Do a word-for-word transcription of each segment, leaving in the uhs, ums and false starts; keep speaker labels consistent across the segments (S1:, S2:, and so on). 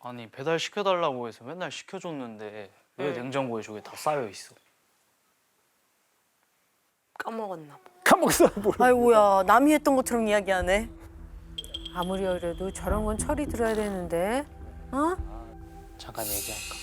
S1: 아니 배달 시켜달라고 해서 맨날 시켜줬는데 왜
S2: 응.
S1: 냉장고에 저게 다 쌓여 있어?
S2: 까먹었나 봐.
S3: 까먹었어 뭘.
S4: 아이고야, 남이 했던 것처럼 이야기하네.
S5: 아무리 어려도 저런 건 철이 들어야 되는데. 어?
S1: 잠깐 얘기할까?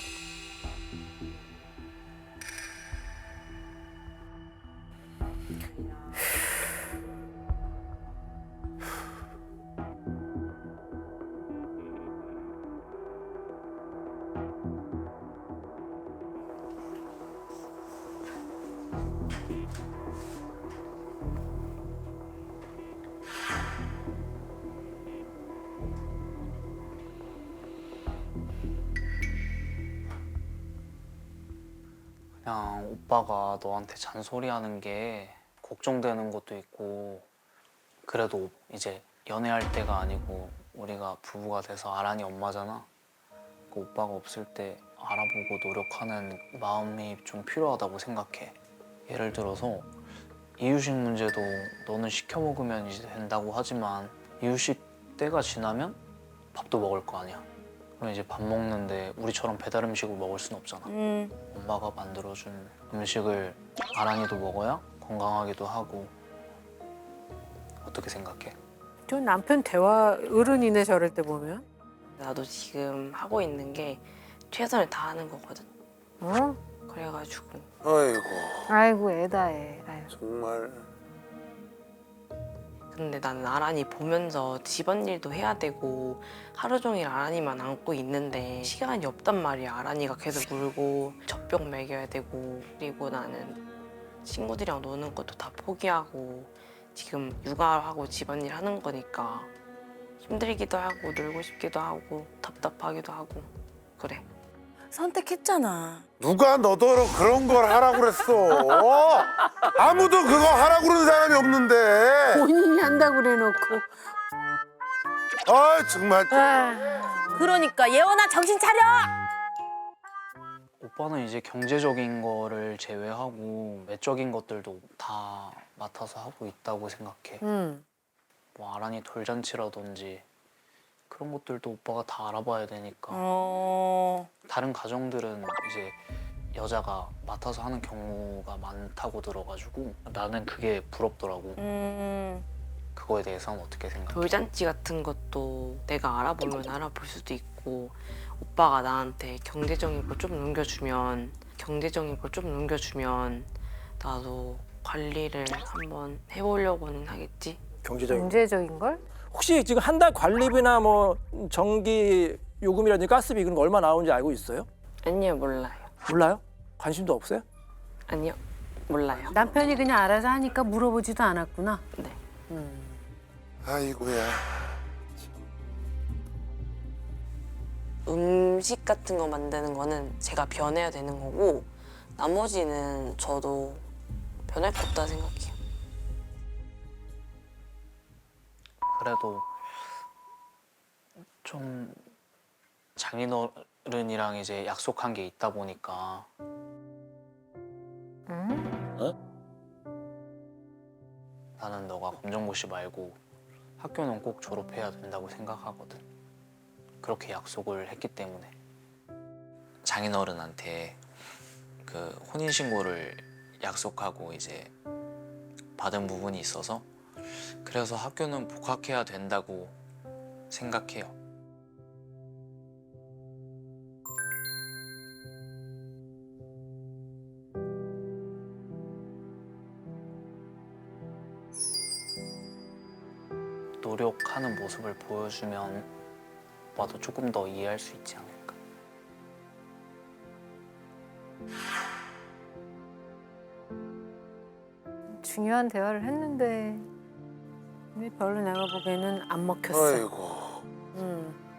S1: 그냥 오빠가 너한테 잔소리하는 게 걱정되는 것도 있고, 그래도 이제 연애할 때가 아니고 우리가 부부가 돼서 아란이 엄마잖아. 그 오빠가 없을 때 알아보고 노력하는 마음이 좀 필요하다고 생각해. 예를 들어서 이유식 문제도 너는 시켜 먹으면 이제 된다고 하지만 이유식 때가 지나면 밥도 먹을 거 아니야. 그럼 이제 밥 먹는데 우리처럼 배달 음식을 먹을 순 없잖아.
S4: 음.
S1: 엄마가 만들어준 음식을 아란이도 먹어야 건강하기도 하고. 어떻게 생각해?
S5: 저 남편 대화 어른이네 저럴 때 보면.
S2: 나도 지금 하고 있는 게 최선을 다하는 거거든.
S5: 어?
S2: 그래가지고
S6: 아이고
S5: 아이고 애다 애. 아이고.
S6: 정말.
S2: 근데 나는 아란이 보면서 집안일도 해야 되고 하루 종일 아란이만 안고 있는데 시간이 없단 말이야. 아란이가 계속 울고 젖병 먹여야 되고, 그리고 나는 친구들이랑 노는 것도 다 포기하고 지금 육아하고 집안일 하는 거니까 힘들기도 하고 놀고 싶기도 하고 답답하기도 하고 그래.
S4: 선택했잖아.
S6: 누가 너더러 그런 걸 하라고 그랬어. 아무도 그거 하라고 그러는 사람이 없는데.
S5: 본인이 한다고 그래놓고.
S6: 아 정말.
S4: 그러니까 예원아 정신 차려!
S1: 오빠는 이제 경제적인 거를 제외하고 외적인 것들도 다 맡아서 하고 있다고 생각해.
S5: 응.
S1: 뭐 아란이 돌잔치라든지 그런 것들도 오빠가 다 알아봐야 되니까.
S4: 어.
S1: 다른 가정들은 이제 여자가 맡아서 하는 경우가 많다고 들어가지고 나는 그게 부럽더라고.
S4: 음.
S1: 그거에 대해서는 어떻게 생각해?
S2: 돌잔치 같은 것도 내가 알아보면 알아볼 수도 있고, 오빠가 나한테 경제적인 걸 좀 넘겨주면 경제적인 걸 좀 넘겨주면 나도 관리를 한번 해보려고는 하겠지.
S3: 경제적인.
S5: 경제적인 걸?
S3: 혹시 지금 한 달 관리비나 뭐 전기 요금이라든지 가스비 그런 거 얼마 나오는지 알고 있어요?
S2: 아니요, 몰라요.
S3: 몰라요? 관심도 없어요?
S2: 아니요, 몰라요.
S5: 남편이 그냥 알아서 하니까 물어보지도 않았구나.
S2: 네.
S5: 음.
S6: 아이고야.
S2: 음식 같은 거 만드는 거는 제가 변해야 되는 거고, 나머지는 저도 변할 게 없다 생각해요.
S1: 그래도 좀 장인어른이랑 이제 약속한 게 있다 보니까
S5: 응?
S1: 나는 너가 검정고시 말고 학교는 꼭 졸업해야 된다고 생각하거든. 그렇게 약속을 했기 때문에. 장인어른한테 그 혼인신고를 약속하고 이제 받은 부분이 있어서 그래서 학교는 복학해야 된다고 생각해요. 노력하는 모습을 보여주면 오빠도 조금 더 이해할 수 있지 않을까.
S5: 중요한 대화를 했는데 근데 별로 내가 보기에는 안 먹혔어.
S6: 아이고.
S5: 응.